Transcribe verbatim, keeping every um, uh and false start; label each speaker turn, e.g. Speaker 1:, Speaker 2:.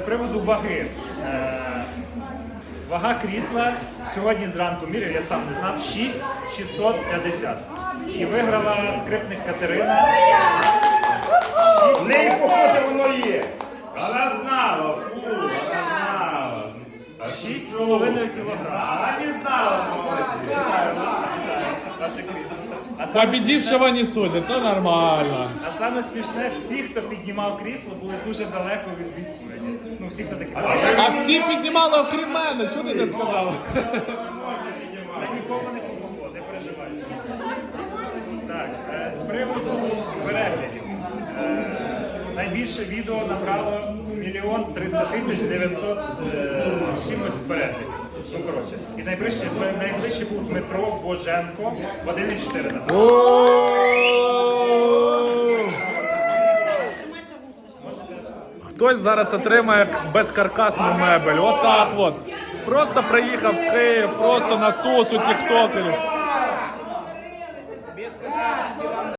Speaker 1: приводу ваги. Е, Вага крісла сьогодні зранку міряв, я сам не знав, шість тисяч шістсот п'ятдесят. І виграла скрипник Катерина.
Speaker 2: В неї, походу, воно є.
Speaker 3: Вона знала, фу, вона знала.
Speaker 1: шість з половиною кілограм.
Speaker 3: Вона не знала, молодець.
Speaker 1: Наше крісло. А саме
Speaker 4: Победившего не судять, це нормально.
Speaker 1: А саме смішне, всі, хто піднімав крісло, були дуже далеко від відповіді. Ну, всі, хто такі.
Speaker 4: А всі піднімали окрім мене, чого ти не сказала?
Speaker 1: Та нікому не помогло, не переживай. Так, е, з приводу переглядів. Е, Найбільше відео набрало мільйон триста тисяч дев'ятсот з чимось переглядів. Ну, коротше. І найближче, найближче був Дмитро Боженко в один і чотири набрав.
Speaker 4: Хтось зараз отримає безкаркасну мебель. Отак от. Просто приїхав в Київ, просто на тусу тіктокерів.